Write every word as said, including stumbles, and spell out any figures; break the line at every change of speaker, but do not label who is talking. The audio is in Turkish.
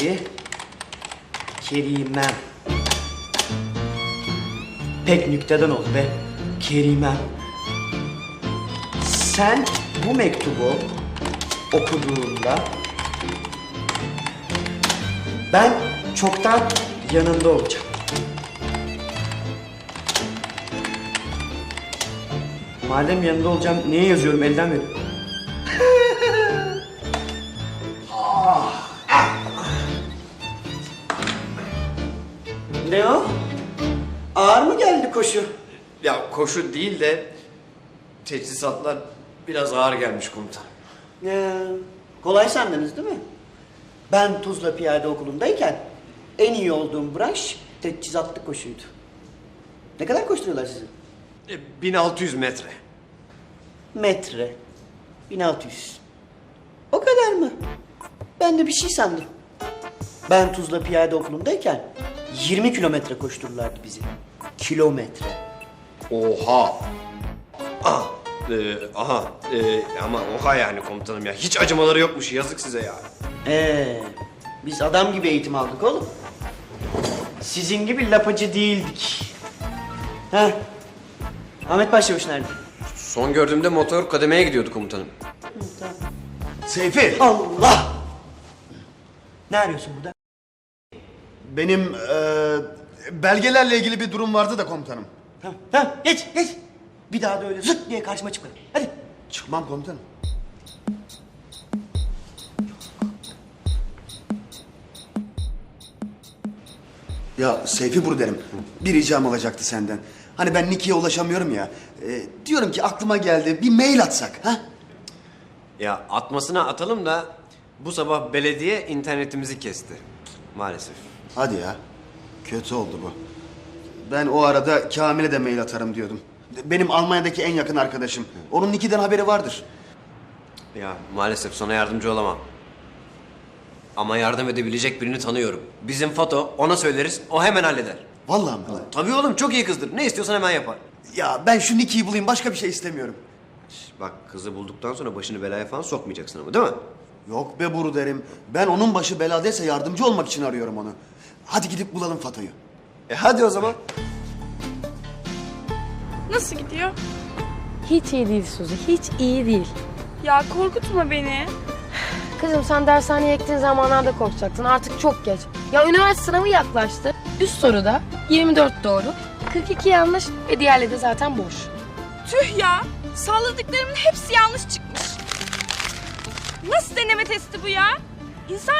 Şimdi Kerimem. Pek nükteden oldu be. Kerimem. Sen bu mektubu okuduğunda ben çoktan yanında olacağım. Madem yanında olacağım, niye yazıyorum? Elden verin. Ne o? Ağır mı geldi koşu?
Ya koşu değil de teçhizatlar biraz ağır gelmiş komutanım.
Ee, kolay sandınız değil mi? Ben Tuzla Piyade Okulu'ndayken en iyi olduğum branş teçhizatlı koşuydu. Ne kadar koşturuyorlar sizi?
E, bin altı yüz metre.
Metre. bin altı yüz. O kadar mı? Ben de bir şey sandım. Ben Tuzla Piyade Okulu'ndayken yirmi kilometre koştururlardı bizi. Kilometre.
Oha! Ah, e, aha, e, ama oha yani komutanım ya. Hiç acımaları yokmuş, yazık size ya.
Ee, biz adam gibi eğitim aldık oğlum. Sizin gibi lapacı değildik. Heh. Ahmet Başçavuş nerede?
Son gördüğümde motor kademeye gidiyordu komutanım.
Seyfi,
Allah! Ne arıyorsun burada?
benim eee, belgelerle ilgili bir durum vardı da komutanım.
Tamam, tamam. Geç, geç. Bir daha da öyle zıt diye karşıma çıkma. Hadi.
Çıkmam komutanım. Ya Seyfi Buru derim, bir ricam olacaktı senden. Hani ben Niki'ye ulaşamıyorum ya. Eee, diyorum ki aklıma geldi, bir mail atsak, ha?
Ya atmasına atalım da bu sabah belediye internetimizi kesti. Maalesef.
Hadi ya, kötü oldu bu. Ben o arada Kamil'e de mail atarım diyordum. Benim Almanya'daki en yakın arkadaşım. Onun Niki'den haberi vardır.
Ya maalesef sana yardımcı olamam. Ama yardım edebilecek birini tanıyorum. Bizim Fato, ona söyleriz, o hemen halleder.
Vallahi mi?
Tabii oğlum, çok iyi kızdır. Ne istiyorsan hemen yapar.
Ya ben şu Niki'yi bulayım, başka bir şey istemiyorum.
Bak, kızı bulduktan sonra başını belaya falan sokmayacaksın ama, değil mi?
Yok be Buru derim. Ben onun başı beladaysa yardımcı olmak için arıyorum onu. Hadi gidip bulalım Fato'yu.
E hadi o zaman.
Nasıl gidiyor?
Hiç iyi değil Suzi, hiç iyi değil.
Ya korkutma beni.
Kızım sen dershaneye gittiğin zamanlarda korkacaktın, artık çok geç. Ya üniversite sınavı yaklaştı. Üst soruda yirmi dört doğru, kırk iki yanlış ve diğerleri de zaten boş.
Tüh ya. Salladıklarımın hepsi yanlış çıkmış. Nasıl deneme testi bu ya? İnsan